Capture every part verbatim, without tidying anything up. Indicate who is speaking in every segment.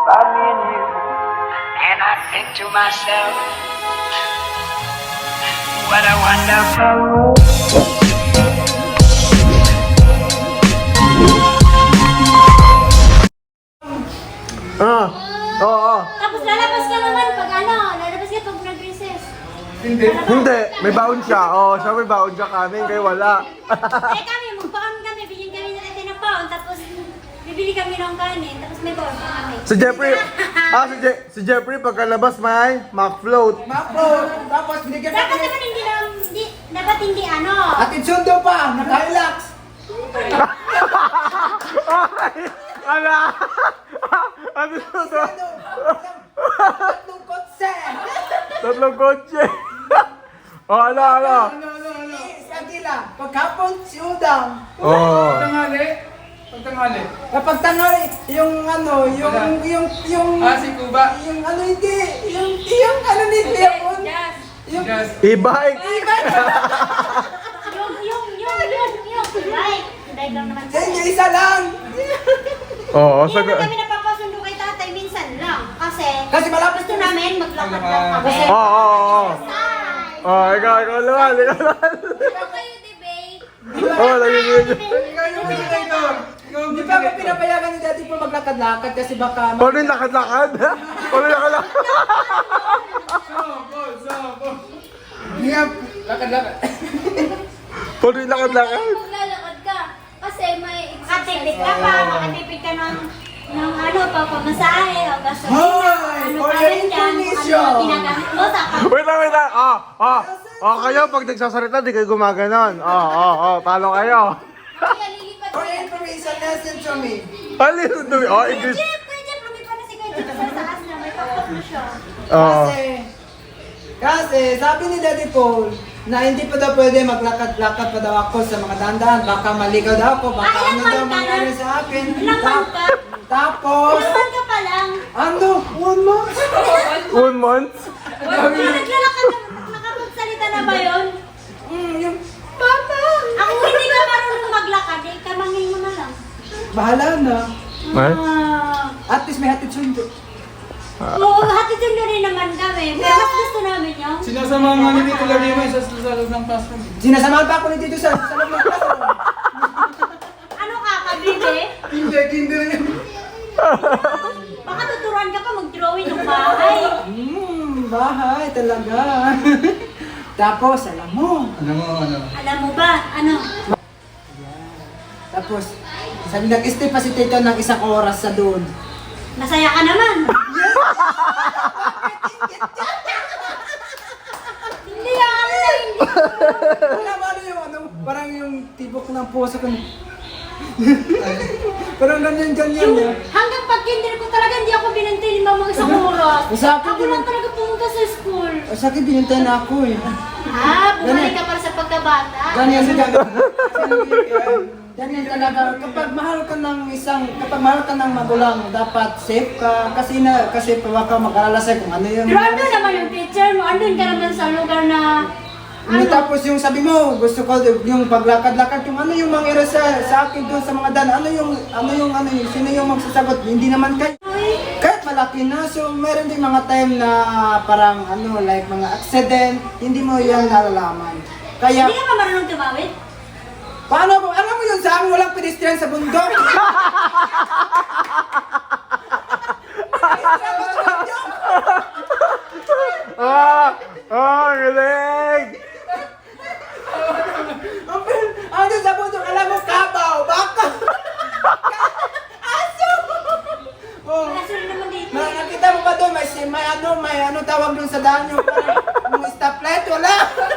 Speaker 1: about me and you. And I think to myself, what a wonderful world.
Speaker 2: Ah, oo, oo.
Speaker 3: Tapos lalabas ka naman pag ano, lalabas ka pag nag-recess.
Speaker 4: Hindi.
Speaker 2: Hindi, may baon siya. Oo, siya may baon siya kami, kayo wala.
Speaker 3: Eh kami, magbaon kami, bigyan kami na natin ng baon, tapos bibili kami ng kanin, tapos may baon pa kami.
Speaker 2: Si Jeffrey, ah, si, Je- si Jeffrey pagkalabas may McFloat.
Speaker 4: Makro, tapos binigyan
Speaker 3: Dapat
Speaker 4: natin.
Speaker 3: naman hindi na, hindi, dapat hindi ano.
Speaker 4: Atin sundo pa, naka-relax.
Speaker 2: Ay, ala! Ano to to?
Speaker 4: Tatlong kotse.
Speaker 2: Tatlong kotse. Oh, ala, ala.
Speaker 4: Ano, ano, ano? Si Agila, pagkapon si Udang.
Speaker 2: Oh.
Speaker 5: Tanghali? Pagtanghali.
Speaker 4: Kapag tanghali, yung ano, yung,
Speaker 5: Wala.
Speaker 4: yung, yung,
Speaker 5: Ah, si Kuba.
Speaker 4: yung ano hindi, yung, yung ano ni Leon. Yung,
Speaker 5: Just.
Speaker 2: E-bike.
Speaker 3: Yung, yung, yung, yung, yung. Right. Dahil lang naman
Speaker 4: sa inyo isa lang.
Speaker 2: Oo,
Speaker 3: Hindi
Speaker 2: sa
Speaker 3: naman kami napapasundo kay tatay, minsan lang. Kasi,
Speaker 4: Kasi malapit
Speaker 3: gusto namin maglakad lang kami.
Speaker 2: Oo, oo, oo.
Speaker 3: Exercise.
Speaker 2: Oh, ikaw, ikaw naman, ikaw naman.
Speaker 3: Ano kayo debate?
Speaker 2: Oh, nagiging.
Speaker 5: Ikaw yung moderator. Ikaw yung
Speaker 4: Hindi pa ako
Speaker 5: moderator.
Speaker 4: pinapayagan ni Daddy po maglakad-lakad kasi baka
Speaker 2: Paano yung lakad-lakad? Paano yung lakad-lakad?
Speaker 5: Sabo, sabo. Nga, lakad-lakad.
Speaker 2: Paano yung lakad-lakad?
Speaker 3: Maglalakad ka. Kasi may makatipid ka pa, makatipid ka ng ng ano, papamasahe, o gasolina,
Speaker 4: Hoy!
Speaker 3: ano
Speaker 4: For
Speaker 3: pa
Speaker 4: your
Speaker 3: rin dyan,
Speaker 4: information!
Speaker 3: ano ginagamit mo sa pag-
Speaker 2: Wait lang, wait lang. Ah, ah. Ah, kayo pag nagsasalita, di kayo gumaganon. Oh, oh, oh. Talo kayo.
Speaker 3: Kaya lilipat
Speaker 4: For
Speaker 3: ka
Speaker 4: your
Speaker 3: yan.
Speaker 4: information, listen to me.
Speaker 2: Ano yung dumi? Oh, English.
Speaker 3: Jeep, Kuya Jeep, lumipat na si Kuya Jeep sa taas na, may pakpak mo siya.
Speaker 2: Oh.
Speaker 4: Kasi, kasi sabi ni Daddy Paul na hindi pa daw pwede maglakad-lakad pa daw ako sa mga dandaan. Baka maligaw daw ako, baka
Speaker 3: Ah,
Speaker 4: ano
Speaker 3: ilang
Speaker 4: daw
Speaker 3: month ka
Speaker 4: mangyari
Speaker 3: na?
Speaker 4: sa akin.
Speaker 3: Ilang month ka?
Speaker 4: Tapos,
Speaker 3: Ilan ka pa lang?
Speaker 4: ano, one month?
Speaker 2: One month?
Speaker 3: Wala naglalakad na, nakapagsalita na ba yun?
Speaker 4: Mm, yung, Papa!
Speaker 3: Ako hindi ka marunong maglakad, eh, kamangin mo na lang.
Speaker 4: Bahala na.
Speaker 2: Ay?
Speaker 3: Ah,
Speaker 4: At least may hatid sundo.
Speaker 3: oo, hatid yun rin naman kami, pero mas gusto namin yung...
Speaker 5: Sinasama nga ni Tito Larima sa sa loob ng classroom.
Speaker 4: Sinasamahan pa ako ni Tito sa, sa loob ng classroom.
Speaker 3: Ano ka, kabibe?
Speaker 5: Hindi, kinder yan.
Speaker 3: Baka tuturuan ka pa mag-drawing ng bahay.
Speaker 4: Hmm, bahay talaga. Tapos, alam mo,
Speaker 5: Ano mo, ano?
Speaker 3: Alam mo ba, ano?
Speaker 4: tapos, sabi nag-stay pa si Tito ng isang oras sa doon.
Speaker 3: Masaya ka naman. Hindi ako na hindi.
Speaker 4: Alam mo ano yung ano, parang yung tibok ng puso ko. Parang ganyan-ganyan
Speaker 3: Yung
Speaker 4: na.
Speaker 3: hanggang pag-kinder ko talaga hindi ako binantay ni mama isang oras.
Speaker 4: Sa akin
Speaker 3: Ako
Speaker 4: din-
Speaker 3: lang talaga pumunta sa school.
Speaker 4: O, sa akin binintay na ako eh.
Speaker 3: Ah, bumalik ka para sa pagkabata.
Speaker 4: Ganyan sa Ganyan talaga. Kapag mahal ka ng isang, kapag mahal ka ng magulang, dapat safe ka. Kasi na, kasi baka mag-alala sa'yo kung ano yung...
Speaker 3: Pero andun naman yung teacher mo, andun ka naman sa lugar na...
Speaker 4: Ano? Tapos yung sabi mo, gusto ko yung paglakad-lakad, yung ano yung mangyari sa, sa akin doon sa mga dan, ano yung, ano yung, ano yung, sino yung magsasagot, hindi naman kayo.
Speaker 3: Uy,
Speaker 4: Kahit malaki na, so meron din mga time na parang ano, like mga accident, hindi mo yan nalalaman. Kaya,
Speaker 3: hindi ka ba marunong tumawid?
Speaker 4: paano mo, alam mo yun saan walang pedestrian sa bundok?
Speaker 2: Ah! Ah, galing!
Speaker 4: Ano sa bundok, alam mo, kabaw, baka, aso! Oh.
Speaker 3: Wala sila naman dito.
Speaker 4: Na, nakita mo ba doon, may, si- may ano, may ano tawag doon sa daan yung parang yung stoplight, wala.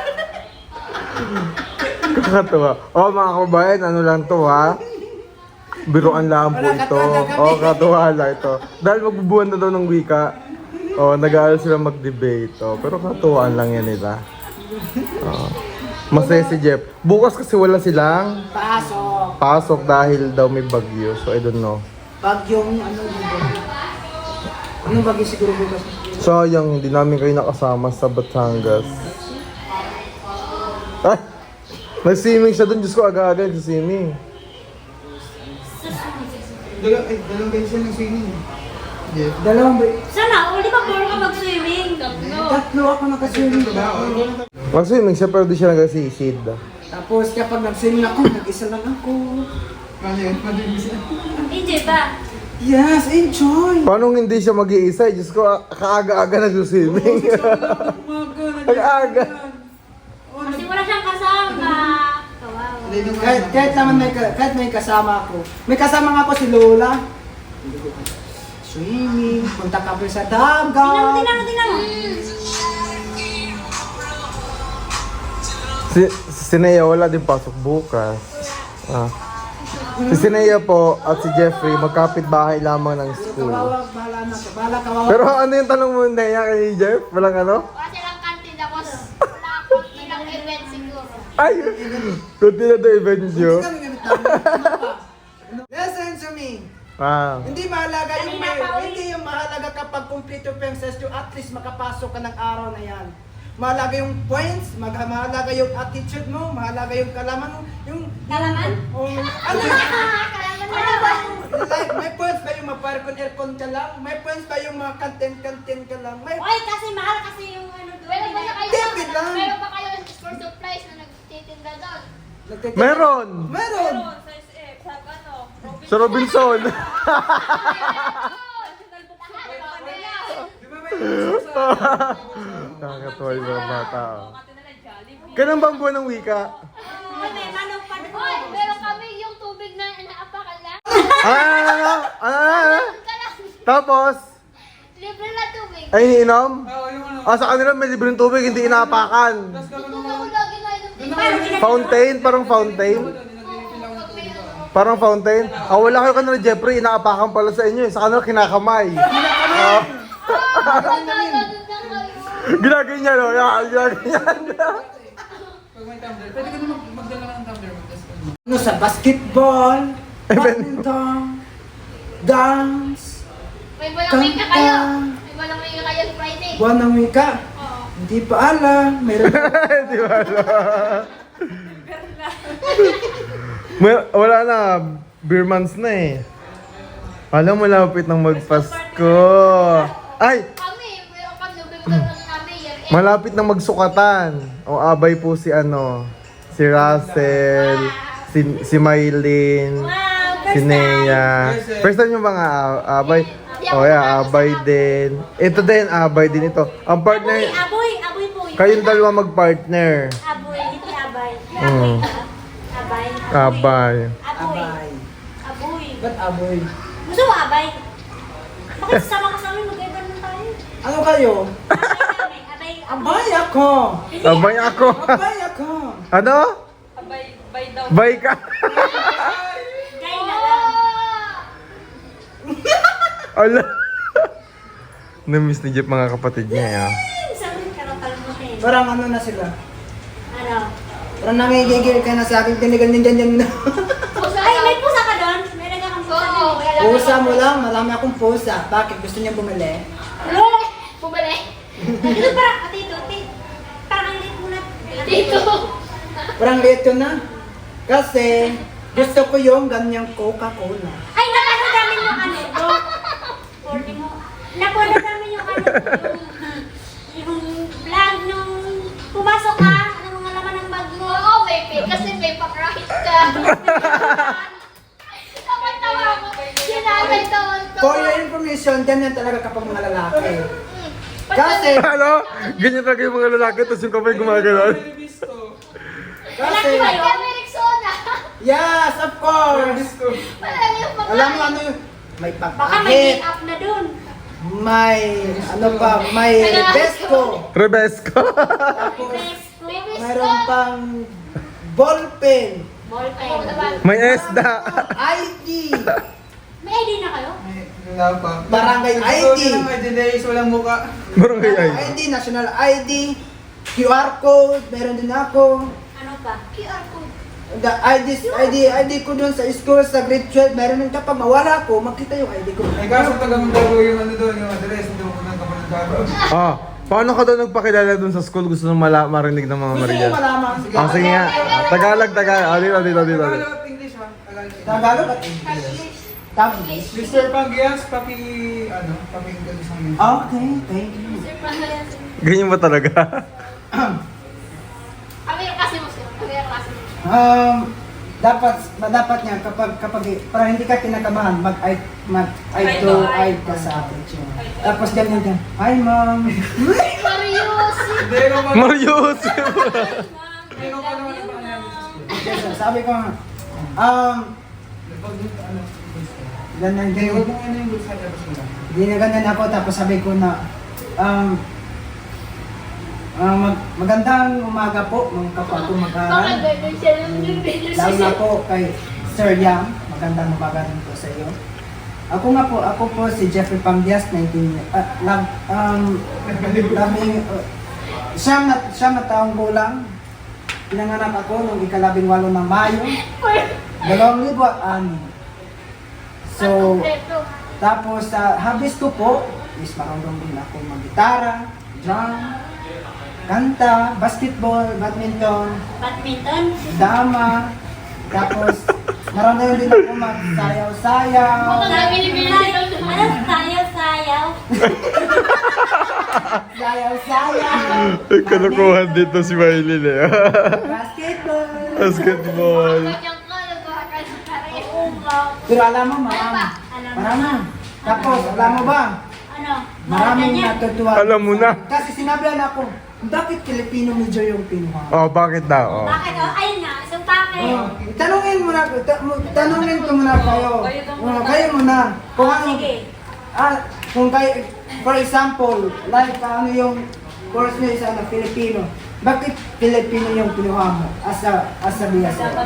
Speaker 2: Kakatuwa. Oh, mga kabayan, ano lang to ha? Biruan lang po
Speaker 4: Wala,
Speaker 2: ito.
Speaker 4: katuwa na kami.
Speaker 2: Oh, katuwa lang ito. Dahil magbubuhan na daw ng wika. Oh, nag-aaral sila mag-debate. Oh, pero katuwaan lang yan nila. Oh. Masaya si Jeff. Bukas kasi wala silang
Speaker 4: Pasok.
Speaker 2: pasok dahil daw may bagyo. So, I don't know.
Speaker 4: Bagyong ano dito. Anong bagyo siguro bukas?
Speaker 2: Sayang, hindi namin kayo nakasama sa Batangas. Ay! Nag-swimming siya dun. Diyos ko, aga-aga nag-swimming.
Speaker 5: Dalang, eh, dalang kayo siya ng swimming.
Speaker 4: Dalawang ba?
Speaker 3: Sana, o di ba puro ka mag-swimming?
Speaker 4: Tatlo ako nakaswimming ba?
Speaker 2: Mag-swimming siya pero di siya nagasisid.
Speaker 4: Tapos kapag nag-swimming ako, nag-isa lang ako.
Speaker 5: Ano yun? Ano yun?
Speaker 3: Enjoy ba?
Speaker 4: Yes, enjoy!
Speaker 2: Paano hindi siya mag-iisa? Diyos ko, ah, kaaga-aga nag-swimming. Kaaga.
Speaker 3: Kasi wala siyang kasama. Kawawa.
Speaker 4: Kahit, kahit naman may, ka- kahit may kasama ako. May kasama nga ako si Lola. Swimming, punta kami sa
Speaker 3: Tingnan mo,
Speaker 4: dagat.
Speaker 3: tingnan mo, tingnan mo.
Speaker 2: Si, si Sinea wala din pasok bukas. Ah. Si Sinea po at si Jeffrey magkapit bahay lamang ng school.
Speaker 4: Kawawa, bahala na ka. Bahala kawawa.
Speaker 2: Pero ano yung tanong mo Nea kay Jeff? Walang ano?
Speaker 3: Wala silang kantin, tapos wala akong ilang event siguro.
Speaker 2: Ay! Kunti na to event nyo.
Speaker 4: Listen to me.
Speaker 2: Ah.
Speaker 4: Hindi mahalaga yung
Speaker 3: Kanina pa, uy.
Speaker 4: hindi yung mahalaga kapag complete yung penses yung at least makapasok ka ng araw na yan. Mahalaga yung points, mag mahalaga yung attitude mo, mahalaga yung kalaman mo, yung
Speaker 3: Kalaman?
Speaker 4: oh, ano
Speaker 3: Kalaman na ba?
Speaker 4: like, may points ba yung maparkon aircon ka lang? May points ba yung mga kantin-kantin ka lang? May
Speaker 3: Oy, kasi mahal kasi yung ano doon.
Speaker 6: Meron ba kayo?
Speaker 4: David lang.
Speaker 6: Meron ba kayo for supplies na nagtitinda doon?
Speaker 4: Nagtitin-
Speaker 2: Meron!
Speaker 4: Meron!
Speaker 2: Sa Robinson! Nakakatuwa yung mga bata. oh. Kailan ba ang buwan ng wika?
Speaker 3: Oy, may manok pa doon.
Speaker 6: Hoy, meron kami yung tubig na inaapakan lang.
Speaker 2: Ah, ano, ano, ano, ano?
Speaker 6: Ka lang.
Speaker 2: Tapos,
Speaker 6: Libre na tubig.
Speaker 2: ay iniinom?
Speaker 5: Oo, yung ano.
Speaker 2: Ah, sa kanila may libreng tubig, hindi inaapakan.
Speaker 5: Tapos kapag
Speaker 6: Kung ako lagi na inom tubig.
Speaker 2: Fountain, parang fountain. Parang fountain. Ah, wala kayo kanila, Jeffrey, inaapakan pala sa inyo. eh. Sa kanila, kinakamay. Ah, Ginaganyan, no? Yeah, ginaganyan.
Speaker 5: Pag may tumbler, pwede ka na mag- magdala ka ng tumbler. Tapos ano.
Speaker 4: Ano sa basketball, badminton, dance,
Speaker 6: May malamig ka kayo. May malamig ka kayo Friday.
Speaker 4: buwan ng wika.
Speaker 6: Oo.
Speaker 4: Hindi pa alam. Meron
Speaker 2: Di ba alam? May- Wala na, beer months na eh. Alam mo, lapit ng magpasko. Ay,
Speaker 6: Kami, meron kami November lang kami. Year end.
Speaker 2: malapit na magsukatan. O abay po si ano, si Russell, si, si Maylin,
Speaker 3: Wow,
Speaker 2: si
Speaker 3: first time.
Speaker 2: Nea. First time yung mga a- abay. O yeah, abay din. Ito din, abay din ito. Ang
Speaker 3: Aboy,
Speaker 2: partner,
Speaker 3: aboy, aboy po yun.
Speaker 2: kayong dalawa mag-partner.
Speaker 3: Aboy, hindi abay.
Speaker 2: Mm.
Speaker 3: Abay.
Speaker 2: Abay.
Speaker 3: Aboy.
Speaker 4: abay.
Speaker 3: Aboy.
Speaker 4: Ba't aboy?
Speaker 3: Gusto mo abay? Bakit sasama ka sa amin? Mag-iba naman tayo.
Speaker 4: Ano kayo?
Speaker 3: Abay kami. Abay.
Speaker 4: Abay ako!
Speaker 2: Abay ako.
Speaker 4: Abay ako!
Speaker 2: Ano? Bay ka.
Speaker 3: Gay na lang.
Speaker 2: Ala. Na-miss ni Jeff mga kapatid niya. ah.
Speaker 3: Sabi ka lang mo eh.
Speaker 4: Parang ano na sila.
Speaker 3: Ano?
Speaker 4: Parang nangigigil ka na sa akin, tinigal din dyan dyan.
Speaker 6: Pusa
Speaker 3: Ay,
Speaker 6: lang.
Speaker 3: may pusa ka doon? May naga kang pusa
Speaker 6: Oo,
Speaker 3: doon.
Speaker 6: kaya
Speaker 4: Pusa mo lang, marami akong pusa. Bakit? Gusto niya bumili?
Speaker 6: Lole! Bumali.
Speaker 3: Dito parang, ate ito, ate. Parang ang liit mo na.
Speaker 6: Dito.
Speaker 4: Parang liit ko na. Kasi, gusto ko yung ganyang Coca-Cola.
Speaker 3: Ay, napanood namin yung ano, bro. forty mo. Napanood namin yung ano, yung, yung vlog nung pumasok ka, ano mga laman ng bag mo.
Speaker 6: Oo, may pay. Kasi may pakrakit ka. Tawa-tawa ako. Sinabay tawag ko.
Speaker 4: For your information, ganyan talaga kapag mga lalaki.
Speaker 6: Hmm.
Speaker 4: Kasi,
Speaker 2: Ano? Ganyan talaga yung mga lalaki, tapos yung kamay gumagano'n.
Speaker 4: kasi,
Speaker 6: Kaya may Rexona.
Speaker 4: yes, of course.
Speaker 6: Wala yung pakrakit.
Speaker 4: Alam mo ano yung, may
Speaker 3: Baka may
Speaker 4: pagkakit,
Speaker 3: make-up na dun.
Speaker 4: may, ano pa, may Rebesco.
Speaker 2: Rebesco.
Speaker 4: Tapos,
Speaker 3: Best ko.
Speaker 4: mayroon pang ballpen,
Speaker 3: Ballpen.
Speaker 6: Ako naman.
Speaker 2: May esda.
Speaker 4: I D,
Speaker 3: May I D na kayo?
Speaker 5: Wala pa.
Speaker 4: Barangay I D.
Speaker 5: Ito na may delays, walang muka.
Speaker 2: Barangay ay.
Speaker 4: I D, national I D, Q R code, meron din ako.
Speaker 3: Ano pa?
Speaker 6: Q R code.
Speaker 4: The I D, I D, I D ko dun sa school, sa grade twelve, meron din kapag mawala ko, makita yung I D ko.
Speaker 5: Ay kaso taga Mandago yung ano doon, yung address, hindi mo punang kapag Mandago.
Speaker 2: Ah, paano ka daw nagpakilala dun sa school? Gusto nang mala marinig ng mga
Speaker 4: Gusto
Speaker 2: Maria.
Speaker 4: mo malaman? Sige.
Speaker 2: Ah, sige nga. Tagalog, Tagalog. Ah, dito, dito, dito.
Speaker 5: Tagalog at English ha? Tagalog.
Speaker 4: Tagalog at English. tablet.
Speaker 5: Mister Pangyas, paki, ano, paki sa amin.
Speaker 4: Okay, thank you.
Speaker 2: Ganyan ba talaga?
Speaker 6: Kami yung kasi mo, sir. Kami yung kasi mo.
Speaker 4: Um, dapat dapat niya kapag kapag para hindi ka kinakabahan, mag eye mag eye to eye ka sa akin. Tapos ganyan ka. Hi, ma'am.
Speaker 6: Marius!
Speaker 5: Hindi, no, pa-
Speaker 2: Mario!
Speaker 5: hindi, no, pa naman ang pangalan sa school.
Speaker 4: Yes, sir. Sabi ko nga, um,
Speaker 5: Pag, ano,
Speaker 4: ganyan
Speaker 5: hindi,
Speaker 4: ganyan.
Speaker 5: huwag mong ano yung bulsa, tapos mo lang.
Speaker 4: Hindi na ganyan ako, tapos sabi ko na, um, ah, mag magandang umaga po, mga kapwa ko
Speaker 6: Baka
Speaker 4: mag-aaral.
Speaker 6: ganun siya lang yung video
Speaker 4: Lalo na po kay Sir Yang, magandang umaga rin po sa iyo. Ako nga po, ako po si Jeffrey Pamdias, nineteen, uh, lab, um, labing, uh, siyam na, siyam na taong gulang. Pinanganak ako noong ikalabing walo ng Mayo, dalawang libo at anim. So, tapos sa hobbies ko po, is marunong din ako mag-gitara, drum, kanta, basketball, badminton,
Speaker 3: Badminton.
Speaker 4: dama, tapos marunong din ako mag-sayaw-sayaw,
Speaker 6: Mga binibili
Speaker 3: Ano? Sayaw, sayaw.
Speaker 4: sayaw-sayaw,
Speaker 2: Ay, kalokohan dito si Maylin eh.
Speaker 4: basketball.
Speaker 2: Basketball.
Speaker 6: Kanyang ka, nagkakakal sa kare.
Speaker 3: Oo nga.
Speaker 4: Pero alam mo, marami.
Speaker 3: Alam mo.
Speaker 4: Marami. Tapos, alam mo ba,
Speaker 3: Ano?
Speaker 4: maraming
Speaker 3: Ganyan.
Speaker 4: natutuwa.
Speaker 2: Alam mo na.
Speaker 4: Kasi sinabihan ako, bakit Filipino major yung pinuha?
Speaker 2: Oh, bakit daw? Oh.
Speaker 3: Bakit? Oh, ayun nga. So, bakit?
Speaker 4: Oh, tanungin mo na, ta- mo- tanungin ko muna kayo. Oh, kayo muna. Kung
Speaker 3: Oh,
Speaker 4: ano,
Speaker 3: sige.
Speaker 4: ah, kung kayo, for example, like ano yung course nyo is ano, Filipino. Bakit Filipino yung pinuha mo as a, as a B S L?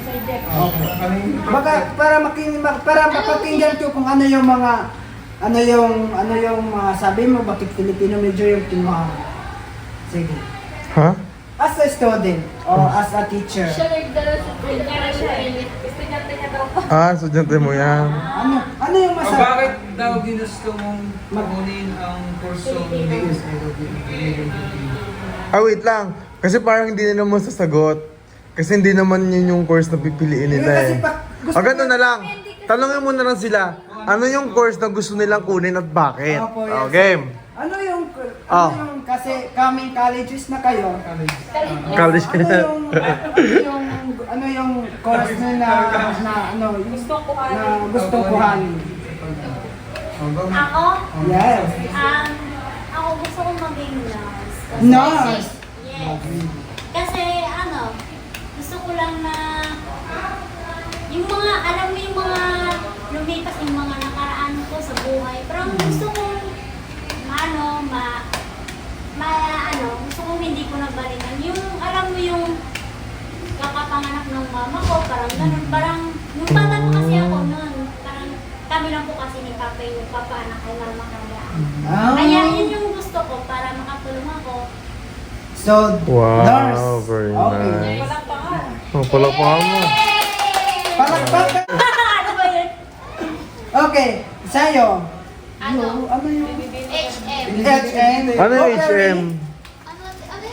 Speaker 4: Baka para making para mapakinggan ko kung ano yung mga ano yung ano yung mga sabi mo bakit Filipino major yung pinuha mo. Sige.
Speaker 2: Ha?
Speaker 4: As a student or as a teacher.
Speaker 6: Siya nagdala sa kanya siya eh. Estudyante niya daw pa.
Speaker 2: Ah, estudyante mo yan.
Speaker 4: Ano ano yung
Speaker 5: O
Speaker 4: masarap?
Speaker 5: bakit daw ginusto mong kunin ang kursong B S L o Filipino?
Speaker 2: Ah, wait lang. Kasi parang hindi na naman sasagot. Kasi hindi naman yun yung course na pipiliin nila
Speaker 4: Eh, kasi
Speaker 2: eh.
Speaker 4: pa- gusto
Speaker 2: Ah, ganun
Speaker 4: ko-
Speaker 2: na lang. Tanongin mo na lang sila. Ano yung course na gusto nilang kunin at bakit?
Speaker 4: Opo, yes.
Speaker 2: Oh, game.
Speaker 4: Ano yung ano
Speaker 2: Ah.
Speaker 4: yung kasi kaming colleges na kayo?
Speaker 2: College
Speaker 4: Ano yung ano yung ano yung course na na, na ano gusto ko na gusto kuhanin?
Speaker 3: Ako?
Speaker 4: Yes.
Speaker 3: Um, ako gusto kong maging nurse. Kasi-
Speaker 4: Nurse.
Speaker 3: Yes. Kasi ano, gusto ko lang na yung mga, alam mo yung mga lumipas yung mga nakaraan ko sa buhay. Pero ang gusto kong ano, ma, ma, ano, gusto kong hindi ko nabalikan. Yung, alam mo yung kakapanganak ng mama ko, parang ganun. Parang, nung bata ko kasi ako noon, parang kami lang po kasi ni Papa yung papaanak kay mama kaya.
Speaker 4: Ah.
Speaker 3: Kaya yun yung gusto ko para makatulong ako.
Speaker 4: So,
Speaker 2: Wow,
Speaker 4: nurse.
Speaker 2: very
Speaker 4: Okay.
Speaker 2: nice. Oh, pala pa mo.
Speaker 4: Palakpakan.
Speaker 3: Ano ba yun?
Speaker 4: Okay, sa'yo.
Speaker 6: Ano?
Speaker 4: Yo, ano yung
Speaker 6: H M.
Speaker 4: H M?
Speaker 2: Ano yung H M?
Speaker 6: Ano? Ano?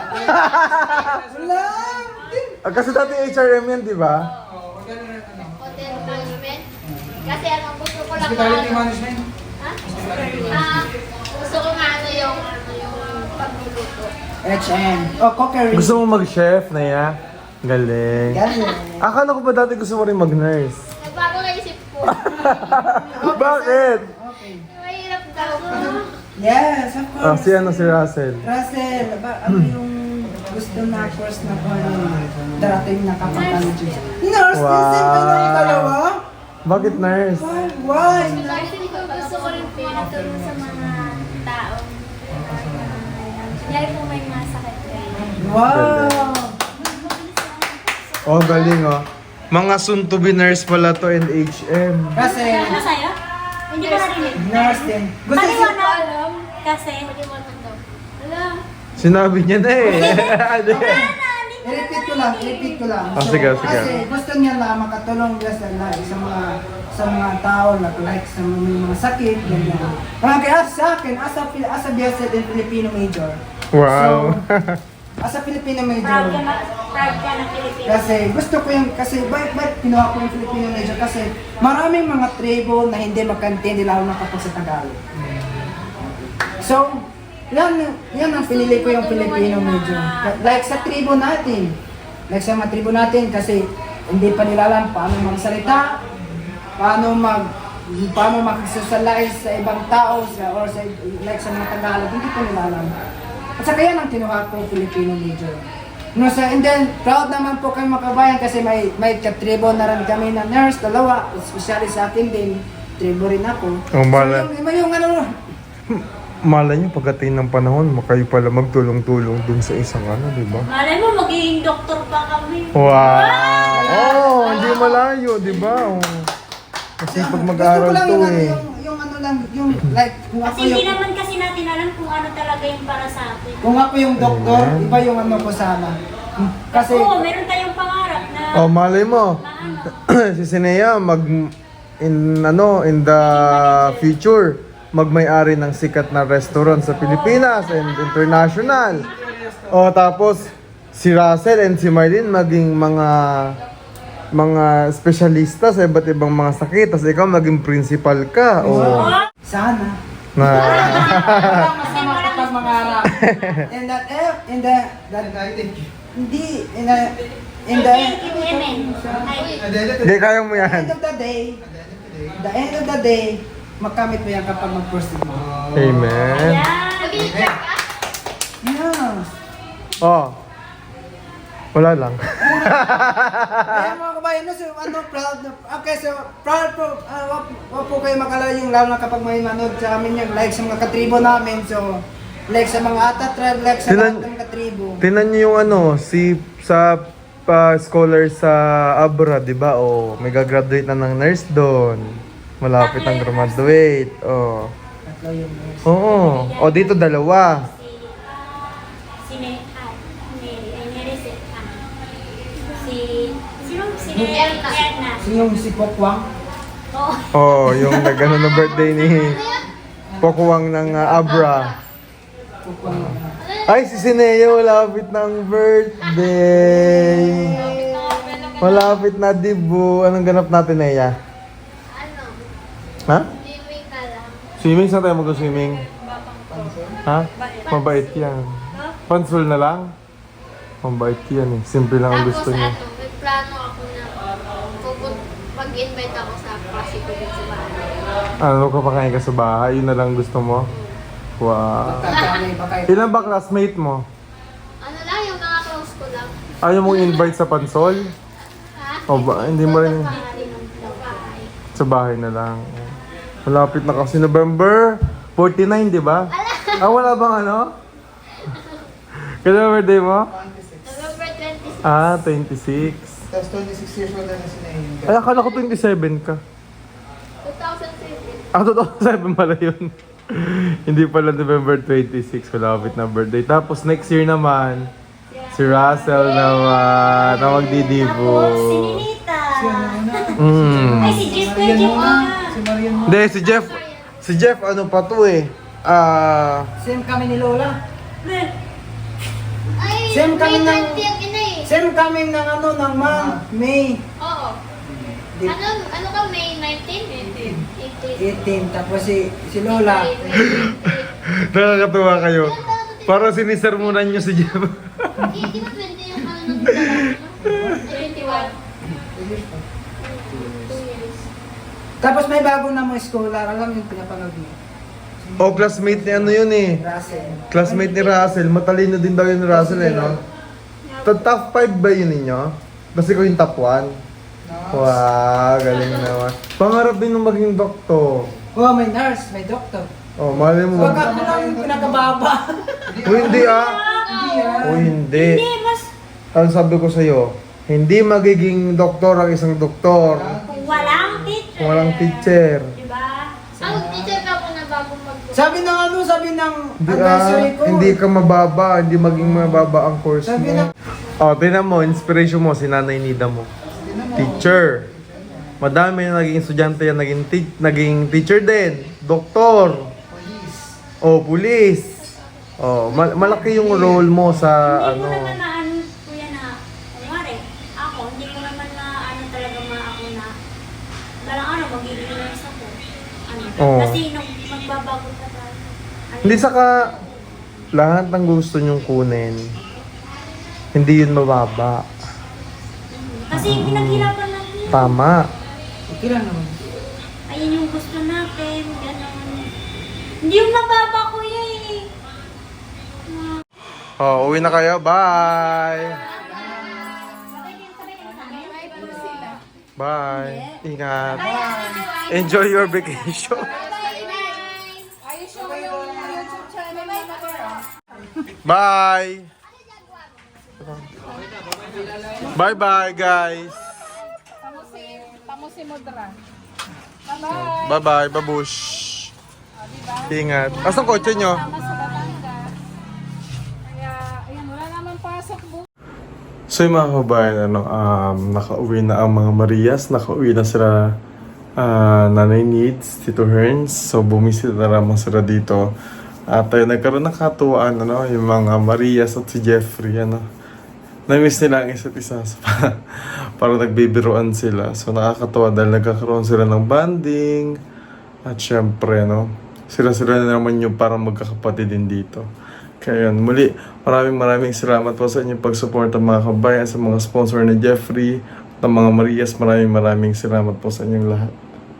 Speaker 4: Wala.
Speaker 2: Ah, kasi dati H R M yan, di ba?
Speaker 5: O, wag na ano.
Speaker 6: Hotel management. Kasi ano, gusto ko lang
Speaker 5: Hospitality
Speaker 6: ano.
Speaker 5: management.
Speaker 6: Ha? Ah, gusto ko nga ano yung, ano yung pagluluto.
Speaker 4: H M. Oh, cookery.
Speaker 2: Gusto mo mag-chef na ya? Galing.
Speaker 4: Galing.
Speaker 2: Akala ko ba dati gusto mo rin mag-nurse?
Speaker 6: Nagbago na isip ko.
Speaker 2: Bakit?
Speaker 4: Okay.
Speaker 6: Mahirap daw.
Speaker 4: Yes, of
Speaker 2: Ah,
Speaker 4: course.
Speaker 2: si ano si Russell.
Speaker 4: Russell, ba, ano yung gusto na course na ko darating na kapag-college? Nurse,
Speaker 2: Wow.
Speaker 4: wow. Wow. Ba yung dalawa?
Speaker 2: Bakit nurse?
Speaker 4: Why? Why?
Speaker 6: Kasi ko gusto ko rin
Speaker 3: Pinatulong sa mga taong kunyari po may masakit kayo.
Speaker 4: Wow!
Speaker 2: Oh, galing oh. Mga soon to be nurse pala to and H M.
Speaker 4: Kasi,
Speaker 3: Ano sa'yo? Hindi ko narinig.
Speaker 4: nurse din. Gusto siya,
Speaker 3: Paliwanag. Kasi,
Speaker 6: Alam.
Speaker 2: Sinabi niya na eh. Ano yan?
Speaker 4: i-repeat ko lang, i-repeat ko lang.
Speaker 2: Ah, sige, sige.
Speaker 4: Kasi gusto niya na makatulong niya sa, na, sa mga sa mga tao na like sa mga, may mga sakit, ganyan. Mga kaya sa akin, as a, Fili- as a B S L in Filipino major,
Speaker 2: Wow.
Speaker 4: as a Filipino major,
Speaker 3: Proud ka, ma- proud ka ng Pilipinas.
Speaker 4: kasi gusto ko yung, kasi bakit bakit kinuha ko yung Filipino major? Kasi maraming mga tribo na hindi magkaintindi lalo na kapag sa Tagalog. So, yan, yan ang pinili ko yung Filipino major. Like sa tribo natin, like sa mga tribo natin kasi hindi pa nila alam paano magsalita, paano mag paano makisocialize sa ibang tao sa, or sa, like sa mga Tagalog, hindi pa nila alam. At saka yan ang kinuha ko, Filipino major. No, so, and then, proud naman po kami makabayan kasi may may katribo na rin kami na nurse, dalawa, especially sa akin din, tribo rin ako.
Speaker 2: Oh, mala-
Speaker 4: So, yung, yung ano,
Speaker 2: Malay nyo, pagdating ng panahon, makayo pala magtulong-tulong dun sa isang ano, di ba?
Speaker 3: Malay mo, magiging doktor pa kami.
Speaker 2: Wow! Oh, hindi malayo, di ba? Oh. Kasi pag mag-aaral
Speaker 4: gusto ko lang
Speaker 2: to
Speaker 4: yung, ano,
Speaker 2: eh.
Speaker 4: yung, yung ano lang, yung like, kung ako
Speaker 3: Kasi hindi
Speaker 4: yung,
Speaker 3: naman kasi natin alam kung ano talaga yung para sa atin.
Speaker 4: kung ako yung doktor,
Speaker 2: Amen.
Speaker 4: iba yung ano ko sana. Kasi,
Speaker 3: Oo, meron tayong pangarap na
Speaker 2: Oh, malay mo.
Speaker 3: maano.
Speaker 2: Si Sinea mag in ano in the future magmay-ari ng sikat na restaurant sa Pilipinas and international. O tapos si Russell and si Marlene maging mga mga espesyalista sa iba't ibang mga sakit. Tapos ikaw maging principal ka. O
Speaker 4: sana.
Speaker 2: na
Speaker 4: Walang masama kapag mangarap. And that, eh, in the, that, hindi, in the, in the,
Speaker 3: Thank you, Amen. Ay,
Speaker 2: Hindi kaya mo yan.
Speaker 4: end of the day, the end of the day, makamit mo yan kapag mag-proceed mo.
Speaker 2: Amen.
Speaker 3: yan.
Speaker 6: Mag-i-check ka?
Speaker 4: Yeah.
Speaker 2: Oh. Wala lang.
Speaker 4: Kaya mga kabayan, no, so, ano, proud, na- okay, so, proud po, uh, wag, wag po kayo makalala yung lalo na kapag may manood sa amin yung like sa mga katribo namin, so, like sa mga ata tribe, like sa
Speaker 2: Tinan-
Speaker 4: lahat ng katribo.
Speaker 2: Tinan niyo yung ano, si sa pa scholar sa abroad, 'di ba? Oh, may gagraduate na ng nurse doon. Malapit ang graduate. Oh.
Speaker 4: Tatlo yung
Speaker 2: Oo. O dito dalawa.
Speaker 3: Si, si Ne, ah, Mary, ay Nereset, ah. Si, sino? Si Ne,
Speaker 6: Erna.
Speaker 3: Erna.
Speaker 4: So, yung si Pokwang,
Speaker 3: Oo.
Speaker 2: Oh, yung nagano na birthday ni Pokwang ng ah, Abra.
Speaker 4: Pokwang,
Speaker 2: Ay, si Sineo, malapit na ang birthday. Malapit na, dibu. Anong ganap natin, Neya?
Speaker 6: Ano?
Speaker 2: Ha?
Speaker 6: Swimming na lang.
Speaker 2: Swimming? Saan tayo mag-swimming? Ha? Mabait yan. Pansol na lang? Mabait yan eh. Simple lang ang
Speaker 6: Tapos
Speaker 2: gusto niya.
Speaker 6: ano, may plano ako na pupun- mag-invite ako sa klase ko din sa bahay.
Speaker 2: Ano ka pakain ka sa bahay? Yun na lang gusto mo? Wow.
Speaker 4: pagkakamay ba kayo?
Speaker 2: Ilan ba classmate mo?
Speaker 6: Ano lang, yung mga close ko lang.
Speaker 2: Ayaw mong invite sa pansol?
Speaker 6: Ha?
Speaker 2: O ba? Hindi mo rin.
Speaker 6: Sa bahay.
Speaker 2: Sa bahay na lang. Malapit na kasi November forty-nine, di ba? Ah, wala bang ano? Kailan birthday mo?
Speaker 6: November twenty-six.
Speaker 2: Ah, twenty-six.
Speaker 5: Tapos twenty-six years old na si Nayin.
Speaker 2: Ay, akala ko twenty-seven ka.
Speaker 6: two thousand seven.
Speaker 2: Ah, totoo, seven pala yun. Hindi pala November twenty-six, malapit na birthday. Tapos next year naman, si Russell naman, na magdidibo.
Speaker 3: Tapos, si Ninita.
Speaker 2: Mm.
Speaker 3: Ay, si Jeff ko, Jeff ko.
Speaker 5: Si Marian mo.
Speaker 2: Hindi, si Jeff, si Jeff ano pa to eh. Ah,
Speaker 4: Same kami ni Lola.
Speaker 6: Ay,
Speaker 4: Same kami
Speaker 6: May
Speaker 4: ng-
Speaker 6: twenty ang ina eh.
Speaker 4: Same kami ng ano, ng month, May
Speaker 6: Oo.
Speaker 4: Di-
Speaker 6: Ano, ano ka, May nineteen? eighteen. eighteen.
Speaker 4: eighteen, tapos si, si Lola.
Speaker 2: nakakatuwa kayo. Parang sinisermonan nyo si Jeff.
Speaker 6: Hindi di ba twenty yung ano nung dalawa? twenty-one. Two years.
Speaker 4: Tapos may bago na mga scholar, alam yung pinapanood niyo.
Speaker 2: O, classmate ni ano yun eh.
Speaker 4: Russell.
Speaker 2: Classmate ni Russell. Matalino din daw yun ni Russell eh, no? Ta- Top five ba yun ninyo? Basta ko yung top one. Wow, galing naman. Pangarap din nung maging doktor.
Speaker 4: Oh, may nurse, may doctor.
Speaker 2: Oh, mali mo.
Speaker 4: Huwag ako lang yung pinakababa.
Speaker 2: O, hindi ah.
Speaker 4: Hindi ah.
Speaker 2: O, hindi.
Speaker 3: Hindi, mas
Speaker 2: Ang sabi ko sa'yo, hindi magiging doktor ang isang doktor
Speaker 3: kung walang teacher.
Speaker 2: kung walang teacher.
Speaker 3: Diba?
Speaker 6: Ang teacher ka ako na bago mag
Speaker 4: Sabi ng ano, sabi ng
Speaker 2: Hindi ah,
Speaker 4: advisory ko.
Speaker 2: hindi ka mababa, hindi maging mababa ang course
Speaker 4: Sabi
Speaker 2: mo.
Speaker 4: ng-
Speaker 2: Oh, tinan mo, inspiration mo, si Nanay Nida mo. Teacher. Madami na naging estudyante yan, naging, te- naging teacher din. Doktor.
Speaker 5: Police.
Speaker 2: Oh, pulis. Oh, mal- malaki yung role mo sa
Speaker 3: Hindi ko
Speaker 2: ano.
Speaker 3: naman na ano, kuya na, kumari, ako, hindi ko naman na ano talaga ma ako na, parang ano, magiging nurse ako. Ano,
Speaker 2: Oo.
Speaker 3: kasi nung magbabago pa tayo. Ano,
Speaker 2: Hindi saka lahat ng gusto nyong kunin, hindi yun mababa.
Speaker 3: Kasi pinaghirapan natin.
Speaker 2: Tama.
Speaker 5: Okay lang naman.
Speaker 3: Ayun yung gusto natin, gano'n. Hindi yung mababa, kuya eh.
Speaker 2: Oh, uwi na kayo. Bye. Bye. Ingat. Enjoy your vacation. Bye. Bye bye guys. Bye bye babush. Ingat. Asan kotse nyo? So yung mga kabayan, ano, um, nakauwi na ang mga Marias, nakauwi na sila ah, Nanay Needs, Tito Herns, so bumisita na naman sila dito. At ayun, nagkaroon ng katuwaan, ano, yung mga Marias at si Jeffrey, ano. Na-miss nila ang isa't isa, so, parang nagbibiruan sila. So nakakatuwa dahil nagkakaroon sila ng bonding, at syempre, no, sila-sila na naman yung parang magkakapatid din dito. Kaya yun, muli, maraming maraming salamat po sa inyong pag-support ng mga kabayan, sa mga sponsor ni Jeffrey, at ng mga Marias. Maraming maraming salamat po sa inyong lahat.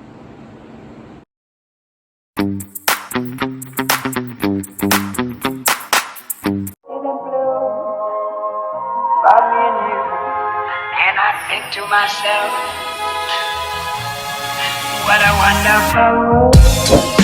Speaker 1: About me and you, and I think to myself, what a wonderful world.